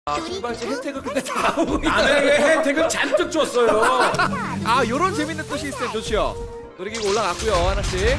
출발지 혜택을 근데 다 하고 남에게 혜택을 잔뜩 줬어요. 아, 요런 재밌는 또 시스템 좋지요. 놀이기구 올라갔고요, 하나씩.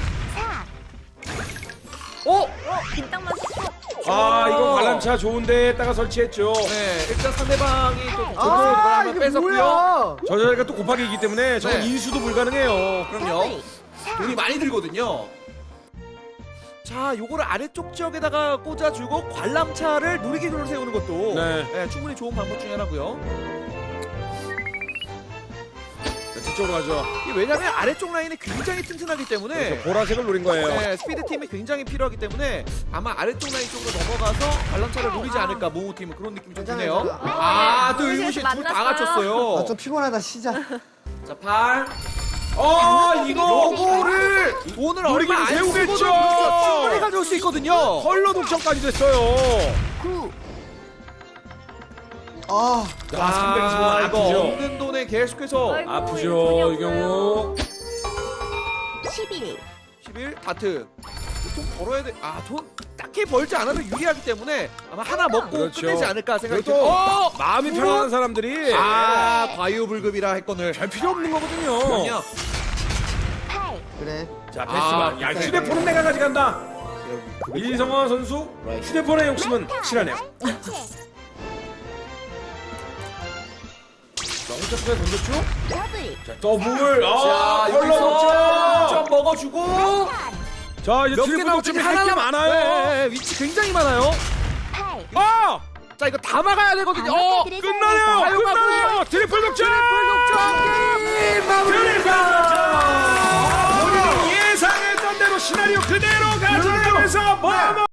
빈땅만 아, 이거 관람차 좋은 데에다가 설치했죠. 네, 일단 상대방이 또 아, 한번 이게 뺏었고요. 뭐야? 저 자리가 또 곱하기이기 때문에 저건 네. 인수도 불가능해요. 그럼요. 돈이 많이 들거든요. 자, 요거를 아래쪽 지역에다가 꽂아주고 관람차를 놀이기구를 세우는 것도 네. 충분히 좋은 방법 중에 하나고요. 자, 뒤쪽으로 가죠. 이게 왜냐면 아래쪽 라인이 굉장히 튼튼하기 때문에 그래서 보라색을 노린 거예요. 네, 스피드 팀이 굉장히 필요하기 때문에 아마 아래쪽 라인 쪽으로 넘어가서 관람차를 노리지 않을까, 모모 팀은 그런 느낌이 좀 드네요. 괜찮아요. 아, 또 여기서 의무실 둘 다 만났어요. 갖췄어요. 아, 좀 피곤하다, 시작. 자, 팔. 이거 요거를 돈을 놀이기구 얼마 안 세우겠죠. 쓰고도 충분히 가져올 수 있거든요. 컬러 독점까지 됐어요. 아, 자, 320원 이거 아프죠. 없는 돈에 계속해서 아이고, 아프죠, 이 경우. 11 11 다트. 돈 벌어야 돼. 아, 돈 딱히 벌지 않아도 유리하기 때문에 아마 하나 먹고 그렇죠. 끝내지 않을까 생각이 그리고 또 들어요. 마음이 편안한 사람들이 과유불급이라 했거늘. 별 필요 없는 거거든요. 그럼요. 8 그래. 자, 패스만. 야, 휴대폰은 내가 가져간다. 이성화 선수 휴대폰의 욕심은 실하네요. 자, 혼자프에 던졌죠? 더블 자, 더블. 자, 컬러 여기서 좀 독점. 먹어주고 자, 이제 몇 개 트리플 나올지 독점이 할 게 많아요. 네, 위치 굉장히 많아요. 8 자, 이거 다 막아야 되거든요. 끝나네요. 끝나요. 트리플 독점. 게임 마무리. 트리플 독점. 본인이 예상했던 대로 시나리오 그대로 가져가면서 뭐